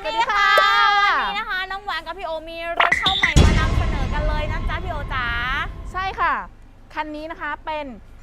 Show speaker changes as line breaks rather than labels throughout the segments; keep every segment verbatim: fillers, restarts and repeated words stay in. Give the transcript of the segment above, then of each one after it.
ดีค่ะวันนี้นะคะน้องหวานกับพี่โอมีรถเข้าใหม่มานำเสนอกันเลยนะจ๊ะพี่โอจ๋า
ใช่ค่ะคันนี้นะคะเป็น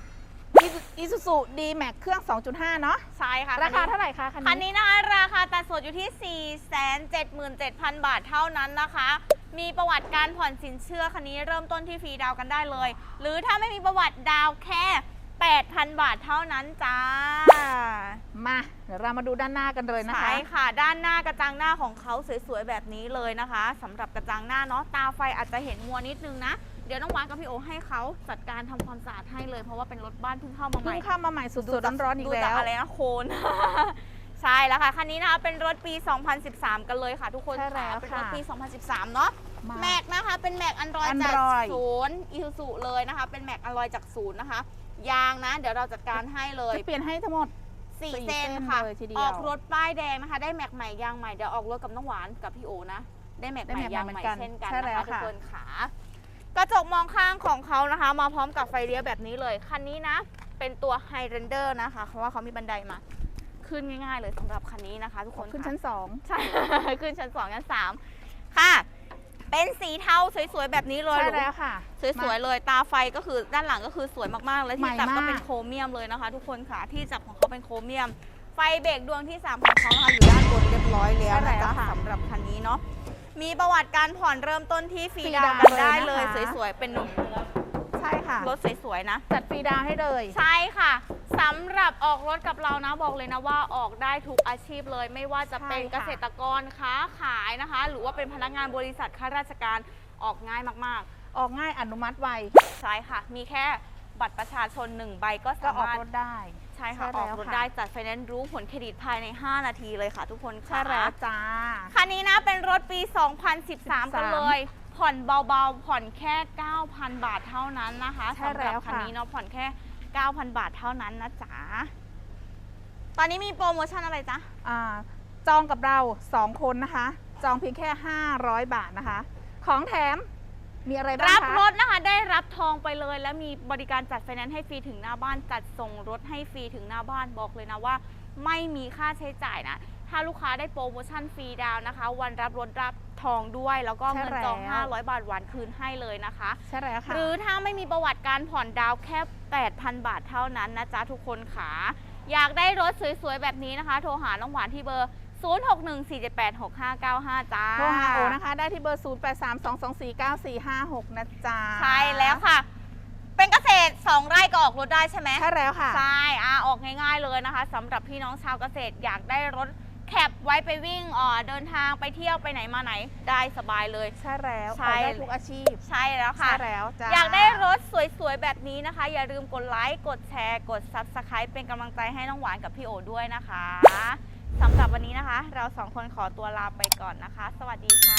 Isuzu D-Max เครื่อง สองจุดห้า เนาะ
ใช่ค่ะ
ราคาเท่าไหร่คะคันนี้
คันนี้นะคะราคาตัดสดอยู่ที่ สี่แสนเจ็ดหมื่นเจ็ดพัน บาทเท่านั้นนะคะมีประวัติการผ่อนสินเชื่อคันนี้เริ่มต้นที่ฟรีดาวกันได้เลยหรือถ้าไม่มีประวัติดาวแค่ แปดพัน บาทเท่านั้นจ้า
มาเดี๋ยวเรามาดูด้านหน้ากันเลยนะคะ
ใช่ค่ะด้านหน้ากระจังหน้าของเขาสวยๆแบบนี้เลยนะคะสำหรับกระจังหน้าเนาะตาไฟอาจจะเห็นมัวนิดนึงนะเดี๋ยวน้องหวานกับพี่โอให้เขาจัดการทำความสะอาดให้เลยเพราะว่าเป็นรถบ้านเพิ่งเข้ามาใหม่
เพิ่งเข้ามาใหม่สดๆร้อนๆอีกแล้ว
ดูจากอะไรนะโคน ใช่แล้วค่ะคันนี้นะคะเป็นรถปี สองพันสิบสาม กันเลยค่ะทุกคนค่ะเป็นรถปี สองพันสิบสาม เนาะแม็กนะคะเป็นแม็กอันดรอยจากศูนย์อีซูซูเลยนะคะเป็นแม็กอันดรอยจากศูนย์นะคะยางนะเดี๋ยวเราจัดการให้เลย
จะเปลี่ยนให้ทั้งหมด
สี่เส้นค่ะออกรถป้ายแดงนะคะได้แม็กใหม่ยางใหม่เดี๋ยวออกรถกับน้องหวานกับพี่โอนะได้แม็กใหม่ยางใหม่เช่นกันนะคะทุกคนขากระจกมองข้างของเขานะคะมาพร้อมกับไฟเลี้ยวแบบนี้เลยคันนี้นะเป็นตัว High Render นะคะเพราะว่าเขามีบันไดมาขึ้นง่ายๆเลยสำหรับคันนี้นะคะทุกคน
ขึ้นชั้นสอง
ใช่ ขึ้นชั้นสองชั้นสามค่ะเป็นสีเทาสวยๆแบบนี้เลย
ใช่แล้วค่ะ
สวยๆเลยตาไฟก็คือด้านหลังก็คือสวยมากๆและที่จับก็เป็นโครเมียมเลยนะคะทุกคนค่ะที่จับของเขาเป็นโครเมียมไฟเบรกดวงที่สามของเขานะคะอยู่ด้านบนเรียบร้อยแล้วนะคะสำหรับคันนี้เนาะมีประวัติการผ่อนเริ่มต้นที่ฟรีดาวน์กันได้เลยสวยๆเป็น
ใช่ค่ะ
รถสวยๆนะ
จัดฟรีดาวน์ให้เลย
ใช่ค่ะสำหรับออกรถกับเรานะบอกเลยนะว่าออกได้ทุกอาชีพเลยไม่ว่าจะเป็นเกษตรกรค้าขายนะคะหรือว่าเป็นพนักงานบริษัทข้าราชการออกง่ายมาก
ๆออกง่ายอนุมัติไว
ใช่ค่ะมีแค่บัตรประชาชนหนึ่งใบก็สามารถ
ออกรถได้
ใช่ค่ะออกรถได้จัดไฟแนนซ์รู้ผลเครดิตภายในห้านาทีเลยค่ะทุกคน
ใช่แล้วจ้า
คันนี้นะเป็นรถปี สองพันสิบสาม กันเลยผ่อนเบาๆผ่อนแค่ เก้าพัน บาทเท่านั้นนะคะสำหรับคันนี้เนาะผ่อนแค่ เก้าพัน บาทเท่านั้นนะจ๊ะตอนนี้มีโปรโมชั่นอะไรจ๊ะ
อ่าจองกับเราสองคนนะคะจองเพียงแค่ห้าร้อยบาทนะคะของแถมมีอะไรบ้างคะ
รับรถนะคะได้รับทองไปเลยและมีบริการจัดไฟแนนซ์ให้ฟรีถึงหน้าบ้านจัดส่งรถให้ฟรีถึงหน้าบ้านบอกเลยนะว่าไม่มีค่าใช้จ่ายนะถ้าลูกค้าได้โปรโมชั่นฟรีดาวนะคะวันรับรถรับทองด้วยแล้วก็เงินจองห้าร้อยบาทหวานคืนให้เลยนะคะ
ใช่แล้วค่ะ
หรือถ้าไม่มีประวัติการผ่อนดาวแค่ แปดพัน บาทเท่านั้นนะจ๊ะทุกคนค่ะอยากได้รถสวยๆแบบนี้นะคะโทรหาน้องหวานที่เบอร์ศูนย์ หก หนึ่ง สี่ เจ็ด แปด หก ห้า เก้า ห้าจ้า
โทรหาโอนะคะได้ที่เบอร์ศูนย์ แปด สาม สอง สอง สี่ เก้า สี่ ห้า หกนะจ๊ะ
ใช่แล้วค่ะเป็นเกษตรสองไร่ก็ออกรถได้ใช่ไหม
ใช่แล้วค่ะ
ใช่อ่าออกง่ายๆเลยนะคะสำหรับพี่น้องชาวเกษตรอยากได้รถแคปไว้ไปวิ่งอ่อเดินทางไปเที่ยวไปไหนมาไหนได้สบายเลย
ใช่แล้ว
ใช่
ได้ทุกอาชีพ
ใช่แล้วค่ะ
ใช่แล้วจ้า
อยากได้รถสวยๆแบบนี้นะคะอย่าลืมกดไลค์กดแชร์กด ซับสไครบ์ เป็นกำลังใจให้น้องหวานกับพี่โอด้วยนะคะสำหรับวันนี้นะคะเราสองคนขอตัวลาไปก่อนนะคะสวัสดีค่ะ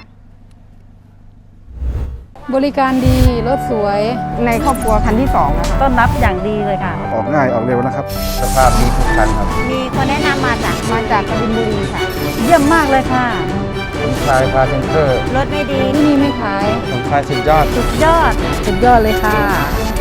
บริการดีรถสวย
ในครอบครัวคันที่สองนะคะ
ต้อนรับอย่างดีเลยค่ะ
ออกง่ายออกเร็วนะครับสภาพดีทุกคันครับ
มีคนแนะนำมาจาก
มาจากกบินบุรีค่ะ
เยี่ยมมากเลยค่ะ
สมชายพาเซนเตอร์
รถไม่ดี
ที่นี่ไม่ขาย
สมชายสุดยอด
สุดยอด
สุดยอดเลยค่ะ